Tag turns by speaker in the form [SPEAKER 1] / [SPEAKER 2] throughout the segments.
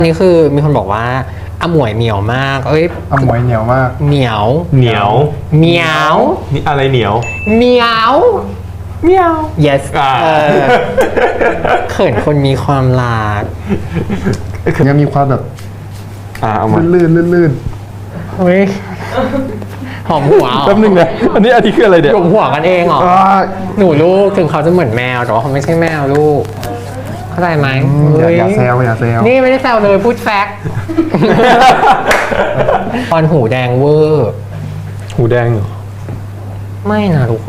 [SPEAKER 1] นี่คือมีคนบอกว่าอมวยเหนียวมากเอ้ย
[SPEAKER 2] อมวยเหนียวมาก
[SPEAKER 1] เหนียว
[SPEAKER 3] เหนียว
[SPEAKER 1] เหนียว
[SPEAKER 3] นี่อะไรเหนียว
[SPEAKER 1] เหนียวเหนียว yes เขินคนมีความรัก
[SPEAKER 2] ยังมีความแบบ
[SPEAKER 3] เอามา
[SPEAKER 2] ลื่น
[SPEAKER 1] เฮ้ยหอมหัว
[SPEAKER 3] แป๊บนึงนะอันนี้คืออะไรเนี่ย
[SPEAKER 1] หลงหัวกันเองเหรอ หนูลูกถึงเขาจะเหมือนแมวแต่ว่าเขาไม่ใช่แมวลูกเข้าใจไหม
[SPEAKER 2] อย่าแซวอย่าแซว
[SPEAKER 1] นี่ไม่ได้แซวเลยพูดแฟกต์ ตอนหูแดงเวอร์
[SPEAKER 3] หูแดงเหรอ
[SPEAKER 1] ไม่นะทุกคน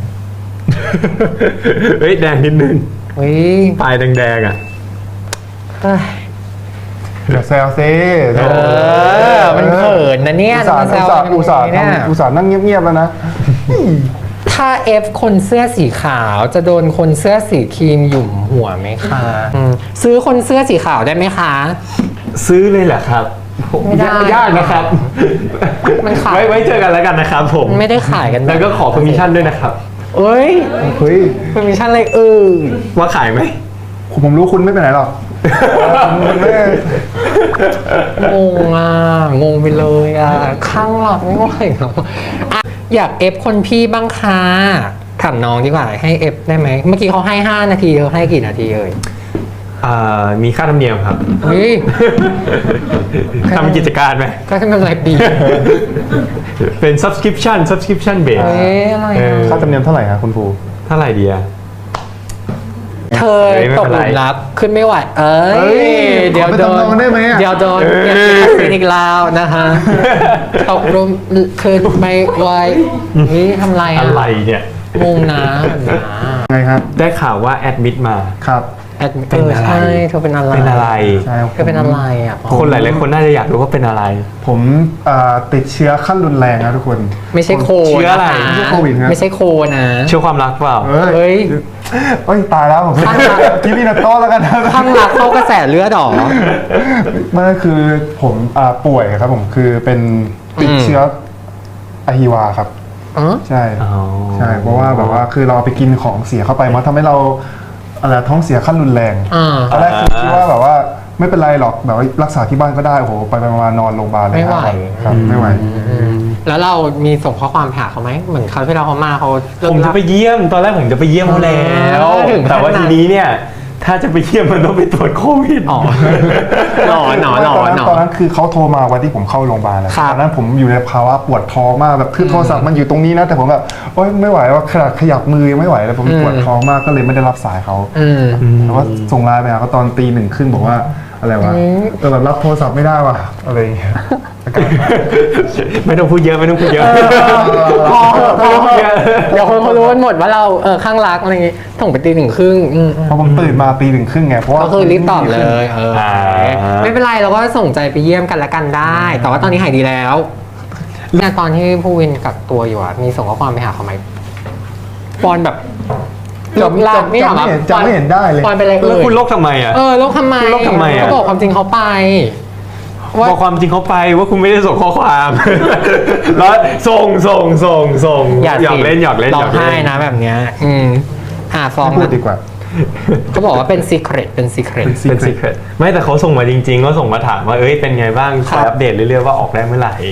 [SPEAKER 3] เฮ้ยแดงนิดนึง
[SPEAKER 1] เฮ้ย
[SPEAKER 3] ปลายแดงๆอ่ะ
[SPEAKER 1] เฮ้ย
[SPEAKER 2] อย่าแซวซิ
[SPEAKER 1] มันเขินนะเนี่ย
[SPEAKER 2] อุตส่าห์นั่งเงียบๆแล้วนะ
[SPEAKER 1] ถ้าเอฟคนเสื้อสีขาวจะโดนคนเสื้อสีครีมหยุ่มหัวไหมคะซื้อคนเสื้อสีขาวได้ไหมคะ
[SPEAKER 3] ซื้อเลยเหรอครับ
[SPEAKER 1] ไม่ได้
[SPEAKER 3] ยากนะครับ
[SPEAKER 1] มันขาย
[SPEAKER 3] ไว้เจอกันแล้วกันนะครับผม
[SPEAKER 1] ไม่ได้ขายกัน
[SPEAKER 3] แล้วก็ขอ permission ด้วยนะครับ
[SPEAKER 1] เอ้ย
[SPEAKER 2] เฮ้ย
[SPEAKER 1] เป็นมิชชั่นอะไร
[SPEAKER 3] ว่าขายไหม
[SPEAKER 2] ผมรู้คุณไม่ไปไหนหรอกคุณไม่
[SPEAKER 1] งงอ่ะงงไปเลยอ่ะข้างหลักไม่ไหวหรอกอ่ะอยากเอฟคนพี่บ้างค่ะถามน้องดีกว่าให้เอฟได้ไหมเมื่อกี้เขาให้5 นาทีเธอให้กี่นาทีเอ่ย
[SPEAKER 3] มีค่าธรรมเนียมครับ
[SPEAKER 1] เฮ้ย
[SPEAKER 3] ทำกิจการไหม
[SPEAKER 1] ก็ทำเป็นไรดี
[SPEAKER 3] เป็น subscription base
[SPEAKER 1] เฮ้ยอะไรอ่ะ
[SPEAKER 2] ค่าธรรมเนียมเท่าไหร่ครับคุณครู
[SPEAKER 3] เท่าไหร่ดีอะ
[SPEAKER 1] เธอ
[SPEAKER 3] ไม่
[SPEAKER 1] ต
[SPEAKER 3] เป็
[SPEAKER 1] ก
[SPEAKER 3] น
[SPEAKER 1] ห
[SPEAKER 3] ไร
[SPEAKER 1] ลุมรักขึ้นไม่ไหวเดี๋ยวโดน
[SPEAKER 2] ขอไปจำนองได้ไหมอะ
[SPEAKER 1] เดี๋ยวโดนเก็บสินอีกแล้วนะคะตกหลุมขึ้นไม่ไหวนี่ทำไรอ่ะ
[SPEAKER 3] อะไรเนี่ย
[SPEAKER 1] งงนะ
[SPEAKER 2] ไงครับ
[SPEAKER 3] ได้ข่าวว่าแอดมิดมา
[SPEAKER 2] ครับ
[SPEAKER 3] เป็นอะไร
[SPEAKER 1] ใช่เธอเป็นอะไร
[SPEAKER 3] เป็นอะไร
[SPEAKER 2] ใช่
[SPEAKER 1] เธอเป็นอะไรอ่ะ
[SPEAKER 3] คนหลายๆคนน่าจะอยากรู้ว่าเป็นอะไร
[SPEAKER 2] ผมติดเชื้อขั้นรุนแรงนะทุกคน
[SPEAKER 1] ไม่ใช่โค
[SPEAKER 3] เชื้ออะไร
[SPEAKER 1] น
[SPEAKER 2] ไม่ใช่โควิดครับ
[SPEAKER 1] ไม่ใช่โคนะ
[SPEAKER 3] เชื่อความรักเปล่า
[SPEAKER 1] เฮ้ย
[SPEAKER 2] เอ้ยตายแล้วผม
[SPEAKER 1] ข้างหลัง
[SPEAKER 2] กินนี่นะโต้แล้วกันนะ
[SPEAKER 1] ข้างหลักเข้ากระแสเลือดหรอ
[SPEAKER 2] มันก็คือผมป่วยครับผมคือเป็นติดเชื้ออะฮิวาครับ
[SPEAKER 1] อ๋อ
[SPEAKER 2] ใช่
[SPEAKER 3] อ๋อ
[SPEAKER 2] ใช่เพราะว่าแบบว่าคือเราไปกินของเสียเข้าไปมันทำให้เราอะไรท้องเสียขั้นรุนแรง
[SPEAKER 1] อ่า
[SPEAKER 2] ตอนแรกคิดว่าแบบว่าไม่เป็นไรหรอกแบบว่ารักษาที่บ้านก็ได้โอ้โหไปมานอนโรงพยาบาลเลย
[SPEAKER 1] ไม่ไหว
[SPEAKER 2] ครับไม่ไหว
[SPEAKER 1] แล้วเรามีส่งข้อความไปหาเขาไหมเหมือนคราวที่เราเขามาเขาเลิก
[SPEAKER 3] ผมจะ
[SPEAKER 1] รับ
[SPEAKER 3] ไปเยี่ยมตอนแรกผมจะไปเยี่ยมเขาแล้ว
[SPEAKER 1] ถึงขนาด
[SPEAKER 3] แต่ว่าทีนี้เนี่ย ถ้าจะไปเยี่ยมมันต้องไปตรวจโควิด
[SPEAKER 1] อ๋อหนอ
[SPEAKER 2] ตอนนั้นคือเขาโทรมาวันที่ผมเข้าโรงพยาบาลแล้ว
[SPEAKER 1] ครับ
[SPEAKER 2] ตอนนั้นผมอยู่ในภาวะปวดท้องมากแบบคือโทรศัพท์มันอยู่ตรงนี้นะแต่ผมแบบโอ๊ยไม่ไหวว่าขยับมือยังไม่ไหวแล้วผมปวดท้องมากก็เลยไม่ได้รับสายเขา แล้วก็ส่งไลน์ไปหาเขาตอนตี 1 ครึ่งบอกว่าอะไรวะแบบรับโทรศัพท์ไม่ได้ว่ะอะไรอย่างเงี้ย
[SPEAKER 3] ไม่ต้องพูดเยอะไม่ต้องพูดเยอะ
[SPEAKER 1] พอเดี๋ยวคนเขารู้กันหมดว่าเราข้างรักอะไรอย่างงี้ส่งไปตี 1 ครึ่ง
[SPEAKER 2] พอผมตื่นมาตี 1 ครึ่งไงเพราะว่า
[SPEAKER 1] ก็คือรีบตอบเลยไม่เป็นไรเราก็ส่งใจไปเยี่ยมกันละกันได้ แต่ว่าตอนนี้หายดีแล้วเนี่ยตอนที่ผู้วินกักตัวอยู่มีส่งข้อความไปหาเขาไหมปอนแบบหลบลากไม่หรอ
[SPEAKER 2] จำไม่เห็นได้เลย
[SPEAKER 1] ปอนเป็นอะไร
[SPEAKER 3] แล้วคุณโลกทำไมอ่ะ
[SPEAKER 1] โลกทำไม
[SPEAKER 3] คุณโลกทำไมอะ
[SPEAKER 1] เขาบอกความจริงเขาไป
[SPEAKER 3] บอกความจริงเขาไปว่าคุณไม่ได้ส่งข้อความ แล้วส่งหยอกเล่น
[SPEAKER 1] ร้องไห้นะแบบเนี้ยฟ้อง
[SPEAKER 2] พูดดีกว่า
[SPEAKER 1] เขาบอกว่าเป็นซีเครตเป็นซีเครต
[SPEAKER 3] เป็น secret ไม่แต่เขาส่งมาจริงๆก็ส่งมาถามว่าเอ้ยเป็นไงบ้างคอยอัปเดตเรื่อยๆว่าออกได้เมื่อไหร่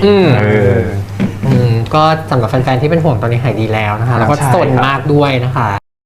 [SPEAKER 1] ก็สำหรับแฟนๆที่เป็นห่วงตอนนี้หายดีแล้วนะคะแล้วก็
[SPEAKER 3] ใช่
[SPEAKER 1] สนมากด้วยนะคะ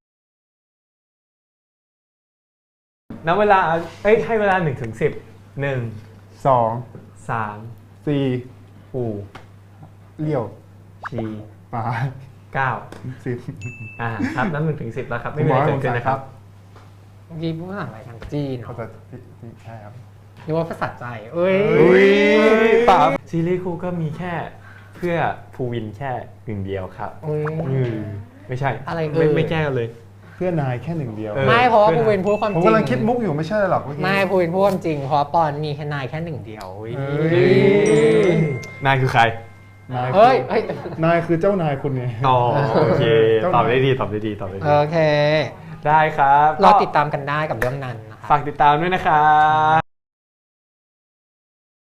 [SPEAKER 3] ณเวลาให้เวลา1 ถึง 10 1
[SPEAKER 2] 2
[SPEAKER 3] 3
[SPEAKER 2] 4
[SPEAKER 3] ปู
[SPEAKER 2] เลี้ยว
[SPEAKER 3] ชี
[SPEAKER 2] ปลา
[SPEAKER 3] 9
[SPEAKER 2] 10
[SPEAKER 3] ครับนับ1 ถึง 10แล้วครับไม่มีอะไรเกิดขึ้นนะครับ
[SPEAKER 1] เมื่อกี้พูดภาษาอะไรทางจีน
[SPEAKER 2] เขาจะใช่ครับ
[SPEAKER 1] หรือว่าภาษาใจเอ้ย
[SPEAKER 3] ป่าซีรีส์คู่ก็มีแค่เพื่อภูวินแค่1 เดียวครับไม่ใช่
[SPEAKER 1] อะไร
[SPEAKER 3] ไม่แก้กันเลย
[SPEAKER 2] เพื่อนายแค่1 เดียว
[SPEAKER 1] ไม่เพราะว่าภูวินพูดความจ
[SPEAKER 2] ผม
[SPEAKER 1] ริง
[SPEAKER 2] กำลังคิดมุกอยู่ไม่ใช่หรอกเมื่อกี้
[SPEAKER 1] ไม่ภูวินพูดความจริงเพราะว่าปอนมีแค่นายแค่1 เดียว
[SPEAKER 3] นายคือใคร
[SPEAKER 1] เฮ้ย
[SPEAKER 2] นายคือเจ้านายคุณไง
[SPEAKER 3] อ๋อโอเค
[SPEAKER 2] เจ้า
[SPEAKER 3] ตอบได้ดีตอบได้ดี
[SPEAKER 1] โอเค
[SPEAKER 3] ได้ครับ
[SPEAKER 1] รอติดตามกันได้กับเรื่องนั้นนะคะ
[SPEAKER 3] ฝากติดตามด้วยนะครับ